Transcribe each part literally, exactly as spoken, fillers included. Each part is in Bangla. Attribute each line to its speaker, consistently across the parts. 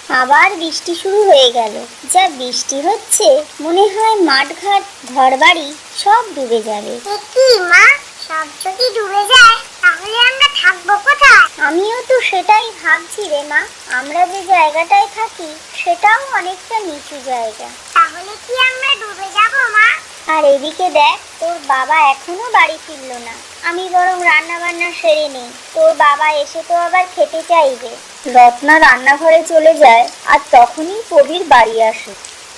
Speaker 1: আবার বৃষ্টি শুরু হয়ে গেল। যা বৃষ্টি হচ্ছে মনে হয় মাঠঘাট ঘরবাড়ি সব ডুবে যাবে।
Speaker 2: কি মা, সব যদি ডুবে যায় তাহলে আমরা থাকবো কোথায়?
Speaker 1: আমিও তো সেটাই ভাবছি রে মা। আমরা যে জায়গাটায় থাকি সেটাও অনেকটা নিচু জায়গা।
Speaker 2: তাহলে কি আমরা ডুবে যাব মা?
Speaker 1: আর এদিকে দেখ, তোর বাবা এখনো বাড়ি ফিরলো না। আমি বরং রান্না বান্না সেরে নেই, তোর বাবা এসে তো আবার খেতে চাইবে। রত্না রান্নাঘরে চলে যায় আর তখনই কবির বাড়ি আসে।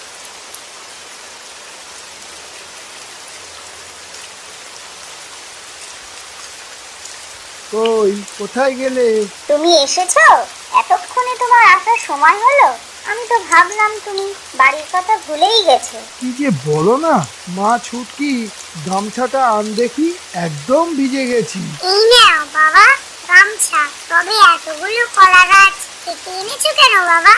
Speaker 3: কই, কোথায় গেলে?
Speaker 1: তুমি এসেছো? এতক্ষণে তোমার আসার সময় হলো? আমি তো ভাবলাম তুমি বাড়ির কথা ভুলেই গেছো।
Speaker 3: কি যে বলো না মা ছুটকি, গামছাটা আন দেখি, একদম ভিজে গেছি।
Speaker 2: এই নাও বাবা গামছা। তবে এতগুলো কলা গাছ কেটে এনেছো কেন বাবা?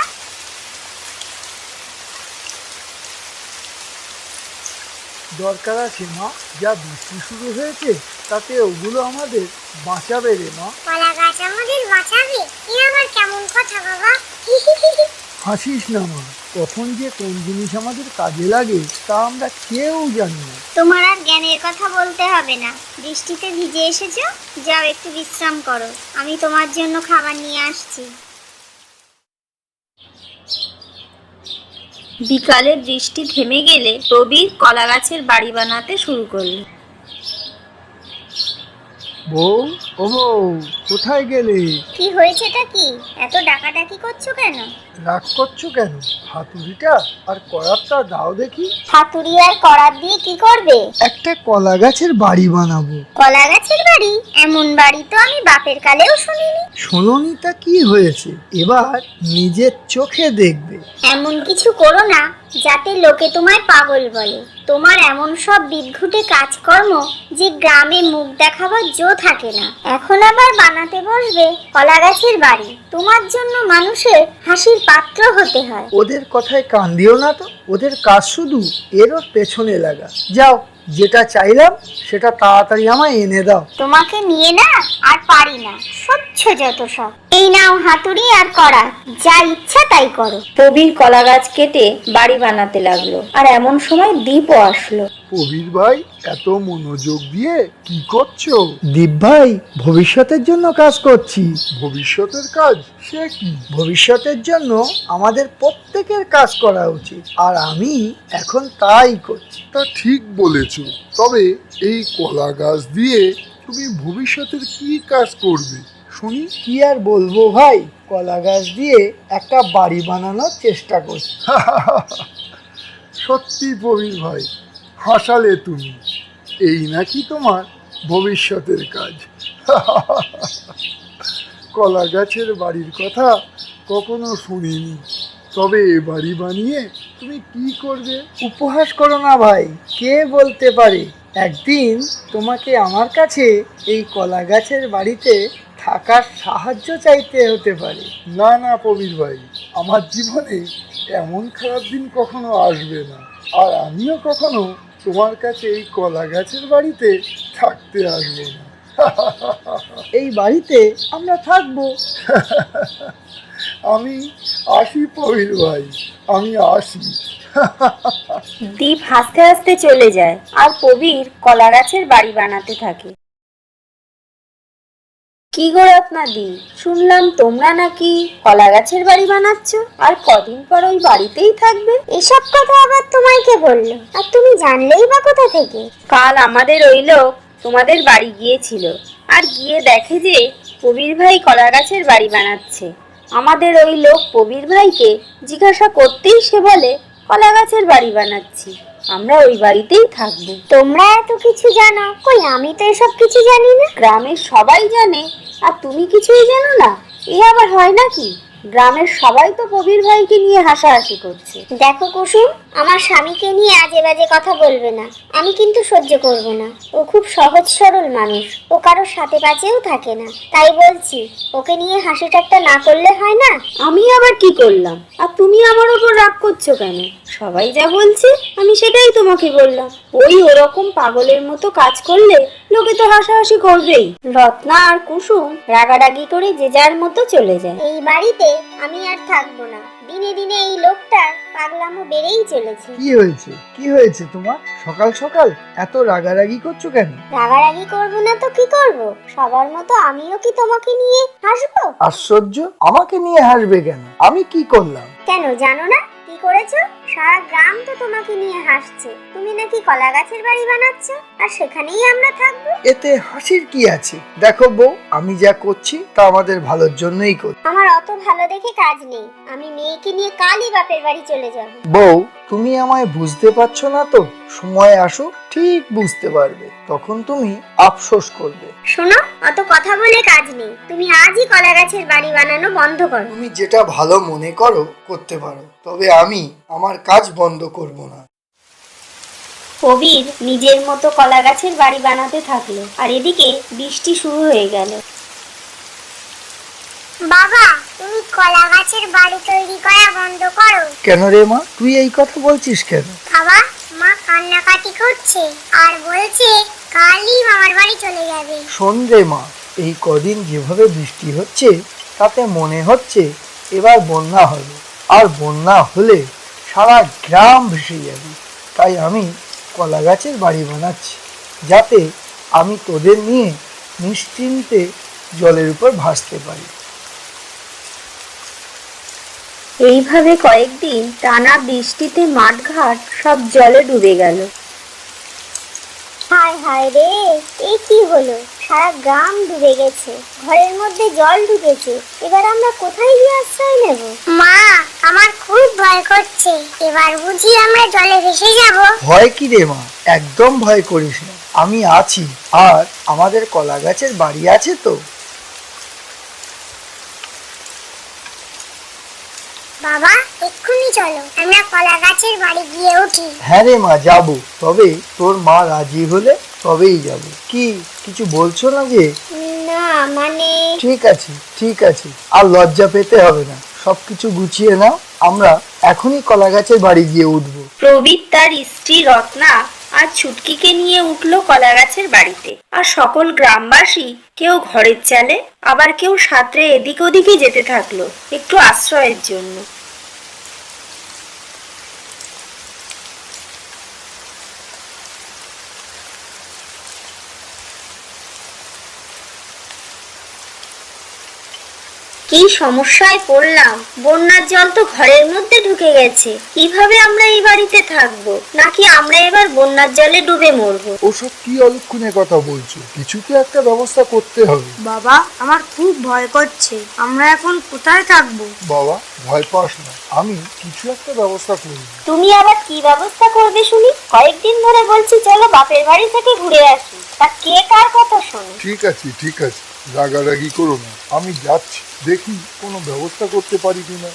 Speaker 3: দরকার আছে মা, যা বৃষ্টি শুরু হয়েছে তাতে ওগুলো আমাদের বাঁচাবে রে মা।
Speaker 2: কলা গাছ আমাদের বাঁচাবে? এ আবার কেমন কথা বাবা?
Speaker 3: হাসিস না মা, কখন যে কোন জিনিস আমাদের কাজে লাগে তা আমরা কেউ জানি না।
Speaker 1: তোমার আর জ্ঞানের কথা বলতে হবে না। বৃষ্টিতে ভিজে এসেছো, যাও একটু বিশ্রাম করো। আমি তোমার জন্য খাবার নিয়ে আসছি। বিকালে বৃষ্টি থেমে গেলে প্রবীর কলা গাছের বাড়ি বানাতে শুরু করলো।
Speaker 3: বউ, ও বউ, কোথায় গেলে?
Speaker 1: কি হয়েছেটা কি? এত ডাকাডাকি করছো কেন?
Speaker 3: রাগ করছো কেন? হাতুড়িটা আর করাতটা দাও দেখি।
Speaker 1: হাতুড়ি আর করাত দিয়ে কি করবে?
Speaker 3: একটা কলা গাছের বাড়ি বানাবো।
Speaker 1: কলা গাছের বাড়ি? এমন বাড়ি তো আমি বাপের কালেও শুনিনি।
Speaker 3: শোনোনি তা কি হয়েছে, এবার নিজের চোখে দেখবে।
Speaker 1: এমন কিছু করো না যাতে লোকে তোমায় পাগল বলে। তোমার এমন সব বিদঘুটে কাজকর্ম যে গ্রামে মুখ দেখাবার জো থাকে না। এখন আবার বানাতে বসবে কলা গাছের বাড়ি। তোমার জন্য মানুষের হাসির পাত্র হতে হয়।
Speaker 3: ওদের কথায় কান দিও না তো, ওদের কাজ শুধু এরও পেছনে লাগা। যাও, যেটা চাইলাম সেটা তাড়াতাড়ি আমায় এনে দাও।
Speaker 1: তোমাকে নিয়ে না আর পারি না, স্বচ্ছ যত সব। এই নাও হাতুড়ি আর করা, যা ইচ্ছা তাই করো। প্রবীর কলা গাছ কেটে বাড়ি বানাতে লাগলো। আর এমন সময় দীপও আসলো।
Speaker 3: প্রবীর ভাই, এত মনোযোগ দিয়ে কি করছো? দীপ ভাই, ভবিষ্যতের জন্য কাজ করছি। ভবিষ্যতের কাজ? সে কি? ভবিষ্যতের জন্য আমাদের প্রত্যেকের কাজ করা উচিত, আর আমি এখন তাই করছি।
Speaker 4: তা ঠিক বলেছ, তবে এই কলা গাছ দিয়ে তুমি ভবিষ্যতের কি কাজ করবে শুনি?
Speaker 3: কি আর বলবো ভাই, কলা গাছ দিয়ে একটা বাড়ি বানানোর চেষ্টা করছি।
Speaker 4: সত্যি প্রবীর ভাই, হাসালে তুমি। এই নাকি তোমার ভবিষ্যতের কাজ? কলা গাছের বাড়ির কথা কখনো শুনিনি, তবে এ বাড়ি বানিয়ে তুমি কি করবে?
Speaker 3: উপহাস করো না ভাই, কে বলতে পারে একদিন তোমাকে আমার কাছে এই কলা গাছের বাড়িতে থাকার সাহায্য চাইতে হতে পারে।
Speaker 4: না না প্রবীর ভাই, আমার জীবনে এমন খারাপ দিন কখনো আসবে না, আর আমিও কখনো তোমার কাছে এই কলা গাছের বাড়িতে থাকতে আসবো না।
Speaker 3: এই বাড়িতে আমরা থাকবো।
Speaker 4: আমি আসি প্রবীর ভাই, আমি আসি।
Speaker 1: দীপ হাসতে হাসতে চলে যায় আর প্রবীর কলা গাছের বাড়ি বানাতে থাকে। কি গো রত্নাদি, শুনলাম তোমরা নাকি কলা গাছের বাড়ি বানাচ্ছ, আর কদিন পর ওই বাড়িতেই থাকবে?
Speaker 2: এসব কথা আবার তোমায় কে বললো? আর তুমি জানলেই বা কোথা থেকে?
Speaker 1: কাল আমাদের ওই লোক তোমাদের বাড়ি গিয়েছিল, আর গিয়ে দেখে যে প্রবীর ভাই কলা গাছের বাড়ি বানাচ্ছে। আমাদের ওই লোক প্রবীর ভাইকে জিজ্ঞাসা করতেই সে বলে কলা গাছের বাড়ি বানাচ্ছি, আমরা ওই বাড়িতেই থাকবো।
Speaker 2: তোমরা এত কিছু জানো? কই, আমি তো এসব কিছু জানি না।
Speaker 1: গ্রামের সবাই জানে আর তুমি কিছুই জানো না? এ আবার হয় নাকি? গ্রামের সবাই তো প্রবীর ভাইকে নিয়ে হাসাহাসি করছে।
Speaker 2: দেখো কুসুম, আমার স্বামীকে নিয়ে আজে বাজে কথা বলবে না, আমি কিন্তু সহ্য করব না। ও খুব সহজ সরল মানুষ, ও কারোর সাথে পাচেও থাকে না। তাই বলছি, ওকে নিয়ে হাসি ঠাট্টা না করলে হয় না?
Speaker 1: আমি আবার কি করলাম? আর তুমি আমার উপর রাগ করছো কেন? সবাই যা বলছে আমি সেটাই তোমাকে বললাম। ওই ওরকম পাগলের মতো কাজ করলে
Speaker 2: লোকে তো হাসাহাসি করবেই। রত্না আর কুসুম রাগারাগি করে যে যার মতো চলে যায়। এই বাড়িতে আমি আর থাকবো না। দিনে দিনে এই লোকটার পাগলামো বেড়েই চলেছে।
Speaker 3: কি হয়েছে কি হয়েছে তোমার? সকাল সকাল এত রাগারাগি করছো কেন?
Speaker 2: রাগারাগি করবো না তো কি করব? সবার মতো আমিও কি তোমাকে নিয়ে হাসবো?
Speaker 3: আশ্চর্য, আমাকে নিয়ে হাসবে কেন? আমি কি করলাম?
Speaker 2: কেন জানো না কি করেছো? সারা গ্রাম তো তোমাকে নিয়ে হাসছে। তুমি নাকি কলা গাছের বাড়ি বানাচ্ছ, আর সেখানেই আমরা থাকবো।
Speaker 3: এতে হাসির কি আছে? দেখো বউ, আমি যা করছি তা আমাদের ভালোর জন্যই করছি।
Speaker 2: আমার অত ভালো দেখে কাজ নেই। আমি মেয়েকে নিয়ে কালই বাপের বাড়ি চলে যাব।
Speaker 3: বউ, তুমি আমায় বুঝতে পারছো না তো? সময় আসুক ঠিক বুঝতে পারবে, তখন তুমি আফসোস করবে।
Speaker 2: শোনো, অত কথা বলে কাজ নেই। তুমি আজই কলা গাছের বাড়ি বানানো বন্ধ করো।
Speaker 3: তুমি যেটা ভালো মনে করো করতে পারো, তবে আমি আমার কাজ বন্ধ করব না।
Speaker 2: কবির নিজের মতো কলা গাছের বাড়ি বানাতে থাকলো, আর এদিকে বৃষ্টি শুরু হয়ে গেল।
Speaker 1: বাবা, তুমি কলা গাছের বাড়ি তৈরি করা বন্ধ করো।
Speaker 3: কেন রে মা, তুই এই কথা বলছিস কেন?
Speaker 1: বাবা, মা কান্নাকাটি করছে আর বলছে কালই মামার বাড়ি চলে যাবে।
Speaker 3: শোন রে মা, এই কদিন যেভাবে বৃষ্টি হচ্ছে তাতে মনে হচ্ছে এবার বন্যা হবে, আর বন্যা হলে সারা গ্রাম ভেসে যাবে। তাই আমি কলা গাছের বাড়ি বানাচ্ছি, যাতে আমি তোদের নিয়ে নিশ্চিন্তে জলের উপর ভাসতে পারি।
Speaker 2: এইভাবে কয়েকদিন টানা বৃষ্টিতে মাঠঘাট সব জলে ডুবে গেল। হায় হায় রে, এ কি হলো? সারা গ্রাম ডুবে গেছে, ঘরের মধ্যে জল ঢুকেছে। এবার আমরা কোথায় গিয়ে আশ্রয় নেব?
Speaker 1: মা, আমার খুব ভয় করছে। এবার বুঝি আমরা জলে ভেসে যাব?
Speaker 3: ভয় কি রে মা, একদম ভয় করিস না, আমি আছি। আর আমাদের কলা গাছের বাড়ি আছে তো।
Speaker 1: বাবা, এক্ষুনি চলো, আমরা কলা গাছের বাড়ি গিয়ে উঠি।
Speaker 3: হ্যাঁ রে মা, যাবো, তবে তোর মা রাজি হলে তবেই যাব। কি কিছু বলছো না যে?
Speaker 2: না মানে
Speaker 3: ঠিক আছে ঠিক আছে, আর লজ্জা পেতে হবে না, সবকিছু গুছিয়ে নাও, আমরা এখনই কলা গাছের বাড়ি গিয়ে উঠবো।
Speaker 2: প্রবীর তার স্ত্রী রত্না আর ছুটকিকে নিয়ে উঠলো কলা গাছের বাড়িতে। আর সকল গ্রামবাসী কেউ ঘরের চালে, আবার কেউ সাঁতরে এদিক ওদিকে যেতে থাকলো একটু আশ্রয়ের জন্য। কি সমস্যায় পড়লাম! বন্যার জল তো ঘরের মধ্যে ঢুকে গেছে। কিভাবে আমরা এই বাড়িতে থাকবো? নাকি আমরা এবার বন্যার জলে ডুবে মরবো?
Speaker 4: ওসব কি অলক্ষণে কথা বলছো? কিছু তো একটা ব্যবস্থা করতে হবে।
Speaker 5: বাবা, আমার খুব ভয় করছে। আমরা এখন কোথায় থাকবো?
Speaker 4: বাবা, ভয় পাস না, আমি কিছু একটা ব্যবস্থা করব।
Speaker 2: তুমি আবার কি ব্যবস্থা করবে শুনি? কয়েকদিন ধরে বলছি চলো বাপের বাড়ি থেকে ঘুরে আসি, তা কে কার কথা শোনে?
Speaker 4: ঠিক আছে ঠিক আছে, রাগারাগি করো না, আমি যাচ্ছি, দেখি কোনো ব্যবস্থা করতে পারি কিনা।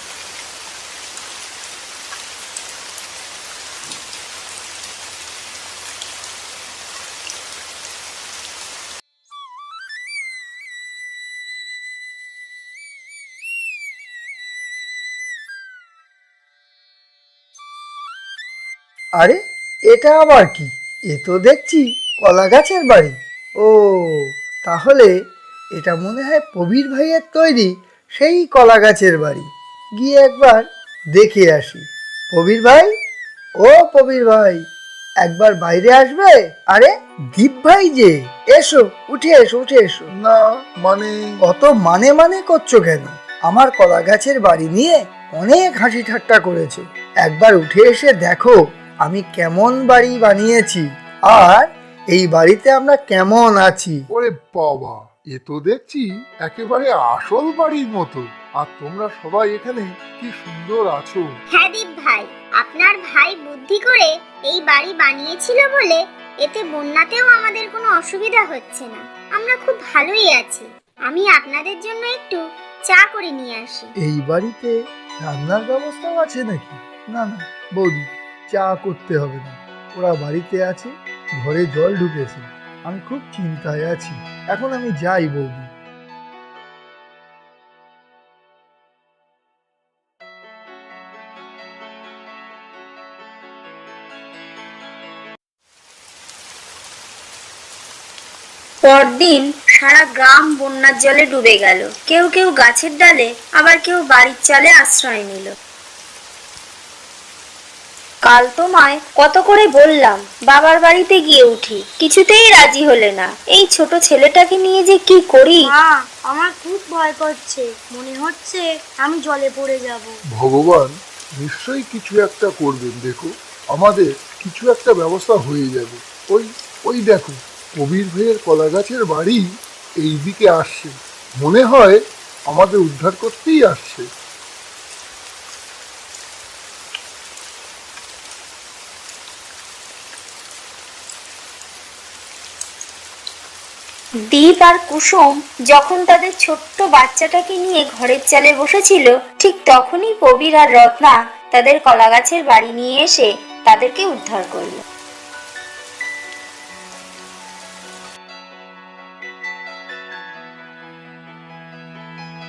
Speaker 3: আরে, এটা আবার কি? এ তো দেখছি কলা গাছের বাড়ি। ও, তাহলে এটা মনে হয় প্রবীর ভাইয়ের তৈরি সেই কলা গাছের বাড়ি। গিয়ে একবার দেখে আসি। প্রবীর ভাই, ও প্রবীর ভাই, একবার বাইরে আসবে? আরে দীপ ভাই যে, এসো, উঠে এসো উঠে এসো।
Speaker 4: না মানে?
Speaker 3: অত মানে মানে করছো কেন? আমার কলা গাছের বাড়ি নিয়ে অনেক হাসি ঠাট্টা করেছো, একবার উঠে এসে দেখো আমি কেমন বাড়ি বানিয়েছি, আর এই বাড়িতে আমরা কেমন আছি।
Speaker 4: ওরে বাবা, এ তো দেখছি একেবারে আসল বাড়ির মতো। আর তোমরা সবাই এখানে কি সুন্দর আছো।
Speaker 1: হ্যাঁ দীপ ভাই, আপনার ভাই বুদ্ধি করে এই বাড়ি বানিয়েছিল বলে এতে বন্যাতেও আমাদের কোনো অসুবিধা হচ্ছে না। আমরা খুব ভালোই আছি। আমি আপনাদের জন্য একটু চা করে নিয়ে আসি।
Speaker 3: এই বাড়িতে রান্নার ব্যবস্থাও আছে নাকি? না না বৌদি, চা করতে হবে না, ওরা বাড়িতে আছে, ঘরে জল ঢুকেছে, আমি খুব চিন্তায় আছি। এখন আমি যাই বৌদি।
Speaker 5: পরদিন সারা গ্রাম বন্যার জলে ডুবে গেল। কেউ কেউ গাছের ডালে, আবার কেউ বাড়ির চালে আশ্রয় নিল। কাল তোমায় কত করে বললাম বাবার বাড়িতে গিয়ে উঠি, কিছুতেই রাজি হলে না। এই ছোট ছেলেটাকে নিয়ে যে কি করি।
Speaker 6: মা, আমার খুব ভয় করছে, মনে হচ্ছে আমি জলে পড়ে যাব।
Speaker 4: ভগবান নিশ্চয়ই কিছু একটা করবেন। দেখো, আমাদের কিছু একটা ব্যবস্থা হয়ে যাবে। ওই ওই দেখো, কবির ভাইয়ের কলা গাছের বাড়ি এই দিকে আসছে। মনে হয় আমাদের উদ্ধার করতেই আসছে।
Speaker 5: দীপ আর কুসুম যখন তাদের ছোট্ট বাচ্চাটাকে নিয়ে ঘরের চালে বসেছিল, ঠিক তখনই কবির আর রত্না তাদের কলা গাছের বাড়ি নিয়ে এসে তাদেরকে উদ্ধার করলো।